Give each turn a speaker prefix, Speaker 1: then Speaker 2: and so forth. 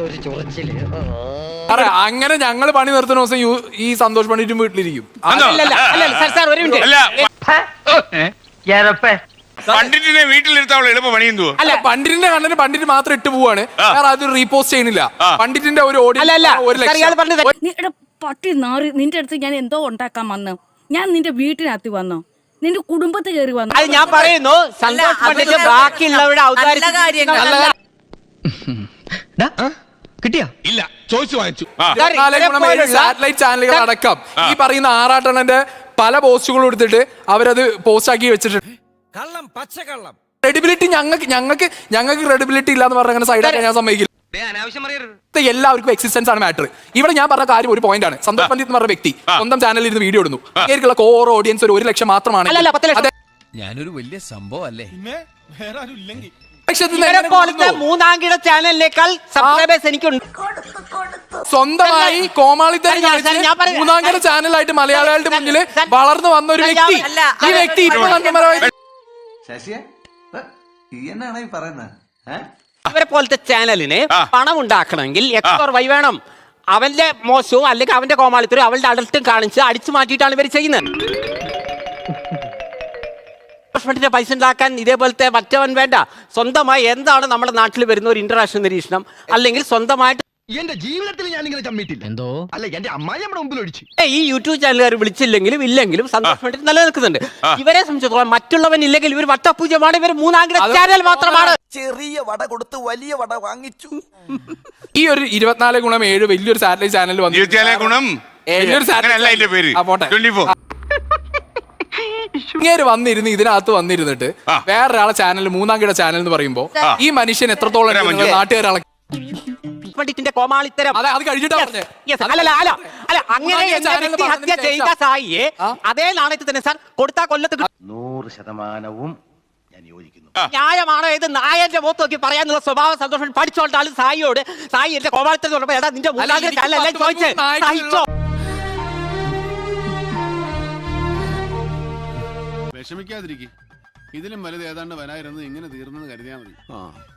Speaker 1: ഒരു ചൊറിച്ചില്.
Speaker 2: അങ്ങനെ ഞങ്ങൾ പണി നിർത്തുന്ന ദിവസം ഈ സന്തോഷ് പണ്ഡിറ്റും വീട്ടിലിരിക്കും.
Speaker 3: പണ്ഡിറ്റിനെ വീട്ടിലിരുത്താനുള്ള എളുപ്പ പണി എന്തുവാ?
Speaker 2: അല്ല, പണ്ഡിറ്റിന്റെ കണ്ണിന് പണ്ഡിറ്റ് മാത്രം ഇട്ട് പോവാണ്, വേറെ അത് റീപോസ്റ്റ് ചെയ്യുന്നില്ല. പണ്ഡിറ്റിന്റെ ഒരു
Speaker 4: പട്ടി നാറി നിന്റെ അടുത്ത് ഞാൻ എന്തോ ഉണ്ടാക്കാൻ വന്നു. ഞാൻ നിന്റെ വീട്ടിനകത്ത് വന്നോ, നിന്റെ കുടുംബത്തിൽ കയറി വന്നു.
Speaker 1: അത് ഞാൻ പറയുന്നു, സന്തോഷ് പണ്ഡിറ്റ് ബാക്കിയുള്ളവരുടെ
Speaker 5: കിട്ടിയാ
Speaker 3: ഇല്ല, ചോദിച്ചു വാങ്ങിച്ചു.
Speaker 2: സാറ്റലൈറ്റ് ചാനലുകൾ അടക്കം ഈ പറയുന്ന ആറാട്ടണന്റെ പല പോസ്റ്റുകളും എടുത്തിട്ട് അവരത് പോസ്റ്റ് ആക്കി വെച്ചിട്ടുണ്ട്. ക്രെഡിബിലിറ്റി ഞങ്ങൾക്ക് ക്രെഡിബിലിറ്റി ഇല്ലാന്ന് പറഞ്ഞ സൈഡാക്കാൻ ഞാൻ സമ്മതിക്കില്ല. എല്ലാവർക്കും എക്സിസ്റ്റൻസ് ആണ് മാറ്റർ. ഇവിടെ ഞാൻ പറഞ്ഞ കാര്യം ഒരു പോയിന്റ് ആണ്. സന്തോഷ് പണ്ഡിറ്റ് എന്ന് പറഞ്ഞ വ്യക്തി സ്വന്തം ചാനലിൽ ഇരുന്ന് വീഡിയോ ഇടുന്നു. അങ്ങേക്കുള്ള കോർ ഓഡിയൻസ് ഒരു 1 ലക്ഷം മാത്രമാണ്.
Speaker 5: ഞാനൊരു വലിയ സംഭവം അല്ലേ?
Speaker 1: മൂന്നാംകിട ചാനലിനേക്കാൾ സബ്സ്ക്രൈബേഴ്സ് എനിക്കുണ്ട്.
Speaker 2: സ്വന്തമായി കോമാളിത്തരം മൂന്നാംകിട ചാനലായിട്ട് മലയാളികളുടെ മുന്നിൽ വളർന്നു വന്ന ഒരു വ്യക്തി. ഈ വ്യക്തി
Speaker 1: അവരെ പോലത്തെ ചാനലിന് പണം ഉണ്ടാക്കണമെങ്കിൽ എക്സ് വൈ വേണം. അവന്റെ മോശവും അല്ലെങ്കിൽ അവന്റെ കോമാളിത്തരും അവളുടെ അഡൽട്ടും കാണിച്ച് അടിച്ചു മാറ്റിയിട്ടാണ് ഇവർ ചെയ്യുന്നത്. പൈസ ഉണ്ടാക്കാൻ ഇതേപോലത്തെ മറ്റവൻ വേണ്ട. സ്വന്തമായി എന്താണ് നമ്മുടെ നാട്ടിൽ വരുന്ന ഒരു ഇന്റർനാഷണൽ നിരീക്ഷണം, അല്ലെങ്കിൽ സ്വന്തമായിട്ട്
Speaker 5: എന്റെ ജീവിതത്തിൽ ഞാൻ ഇങ്ങനെ ചമ്മിട്ടില്ല. എന്തോ അല്ല, എന്റെ അമ്മായി നമ്മുടെ മുമ്പിൽ ഒഴിച്ചു.
Speaker 1: ഈ യൂട്യൂബ് ചാനലുകാർ വിളിച്ചില്ലെങ്കിലും ഇല്ലെങ്കിലും സന്തോഷ് പണ്ഡിറ്റ് നിലനിൽക്കുന്നുണ്ട്. ഇവരെ സംബന്ധിച്ചിടത്തോളം മറ്റുള്ളവൻ ഇല്ലെങ്കിൽ ഇവർ വട്ടപൂജ്യമാണ്. ഇവർ മൂന്നാംകിട ചാനൽ മാത്രമാണ്.
Speaker 6: ചെറിയ വട കൊടുത്ത് വലിയ വട വാങ്ങിച്ചു.
Speaker 2: ഈ ഒരു 24x7 വലിയൊരു സാറ്റലൈറ്റ് ചാനൽ വന്നു. ഇങ്ങനെ വന്നിരുന്ന് ഇതിനകത്ത് വന്നിരുന്നിട്ട് വേറൊരാളെ ചാനൽ മൂന്നാംകിട ചാനൽ എന്ന് പറയുമ്പോ ഈ മനുഷ്യൻ എത്രത്തോളം നാട്ടുകാരെ
Speaker 1: പണ്ഡിറ്റിന്റെ കോമാളിത്തരം
Speaker 2: അത് കഴിഞ്ഞിട്ടാ പറഞ്ഞേ.
Speaker 1: അങ്ങനെ ഹത്യ ചെയ്ത സായിയെ അതേ നാണയത്തിൽ തന്നെ സാർ കൊടുത്താ കൊല്ലത്ത്
Speaker 6: 100% ഞാൻ യോജിക്കുന്നു.
Speaker 1: ന്യായമാണോ ഇത്? നായന്റെ മുഖത്ത് നോക്കി പറയാനുള്ള സ്വഭാവം സന്തോഷം പഠിച്ചോണ്ടാണ് സായിയോട്. സായി എന്റെ കോമാളിത്തരം എടാ നിന്റെ ചോദിച്ചേ സഹിച്ചോ.
Speaker 7: വിഷമിക്കാതിരിക്കും. ഇതിലും വലുത് ഏതാണ്ട് വരായിരുന്നു. ഇങ്ങനെ തീർന്നെന്ന് കരുതിയാൽ മതി.